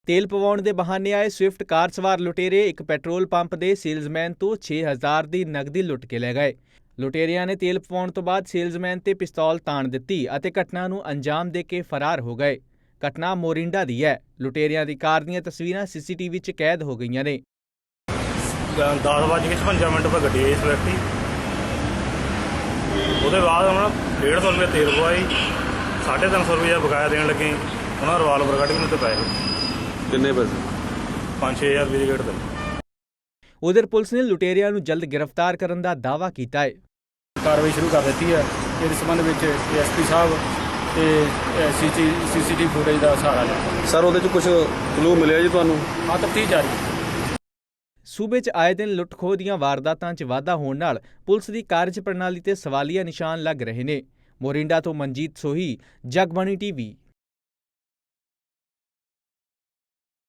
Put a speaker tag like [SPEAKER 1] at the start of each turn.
[SPEAKER 1] ਤੇਲ ਪਵਾਉਣ ਦੇ ਬਹਾਨੇ ਆਏ ਸਵਿਫਟ ਕਾਰ ਸਵਾਰ ਲੁਟੇਰੇ ਇੱਕ ਪੈਟਰੋਲ ਪੰਪ ਦੇ ਸੇਲਜ਼ਮੈਨ ਤੋਂ 6000 ਦੀ ਨਕਦੀ ਲੁੱਟ ਕੇ ਲੈ ਗਏ। ਲੁਟੇਰਿਆਂ ਨੇ ਤੇਲ ਪਵਾਉਣ ਤੋਂ ਬਾਅਦ ਸੇਲਜ਼ਮੈਨ ਤੇ ਪਿਸਤੌਲ ਤਾਣ ਦਿੱਤੀ ਅਤੇ ਘਟਨਾ ਨੂੰ ਅੰਜਾਮ ਦੇ ਕੇ ਫਰਾਰ ਹੋ ਗਏ। ਘਟਨਾ ਮੋਰਿੰਡਾ ਦੀ ਹੈ। ਲੁਟੇਰਿਆਂ ਦੀ ਕਾਰ ਦੀਆਂ ਤਸਵੀਰਾਂ CCTV 'ਚ ਕੈਦ ਹੋ ਗਈਆਂ ਨੇ।
[SPEAKER 2] 10:56 पर ਗੱਡੀ ਆਈ ਸਵਿਫਟ। ਉਹਦੇ ਬਾਅਦ ਉਹਨਾਂ 150 ਰੁਪਏ ਤੇਲ ਪਵਾਈ, 350 ਰੁਪਏ ਬਕਾਇਆ ਦੇਣ ਲੱਗੇ। ਉਹਨਾਂ ਰਿਵਾਲਵਰ ਕੱਢ ਕੇ ਮੈਨੂੰ ਤੇ ਪੈਸੇ
[SPEAKER 3] ਕਿੰਨੇ ਪੈਸੇ?
[SPEAKER 2] 5-6000 ਰੁਪਏ ਦੀ ਗੇਟ ਤੇ।
[SPEAKER 1] ਉਧਰ ਪੁਲਿਸ ਨੇ ਲੁਟੇਰਿਆਂ ਨੂੰ ਜਲਦ ਗ੍ਰਿਫਤਾਰ ਕਰਨ ਦਾ ਦਾਅਵਾ ਕੀਤਾ ਹੈ।
[SPEAKER 4] ਕਾਰਵਾਈ ਸ਼ੁਰੂ ਕਰ ਦਿੱਤੀ ਹੈ। ਇਸ ਸੰਬੰਧ ਵਿੱਚ ASP ਸਾਹਿਬ ਤੇ CCTV ਫੁਟੇਜ ਦਾ ਸਹਾਰਾ ਲਿਆ।
[SPEAKER 3] ਸਰ ਉਹਦੇ 'ਚ ਕੁਝ ਕਲੂ ਮਿਲਿਆ ਜੀ ਤੁਹਾਨੂੰ?
[SPEAKER 4] ਹਾਂ, ਤਫਤੀਸ਼ ਜਾਰੀ ਹੈ।
[SPEAKER 1] ਸੂਬੇ 'ਚ ਆਏ ਦਿਨ ਲੁੱਟ-ਖੋਹ ਦੀਆਂ ਵਾਰਦਾਤਾਂ 'ਚ ਵਾਧਾ ਹੋਣ ਨਾਲ ਪੁਲਿਸ ਦੀ ਕਾਰਜ ਪ੍ਰਣਾਲੀ ਤੇ ਸਵਾਲੀਆ ਨਿਸ਼ਾਨ ਲੱਗ ਰਹੇ ਨੇ। ਮੋਰਿੰਡਾ ਤੋਂ ਮਨਜੀਤ ਸੋਹੀ, ਜਗਬਾਣੀ TV।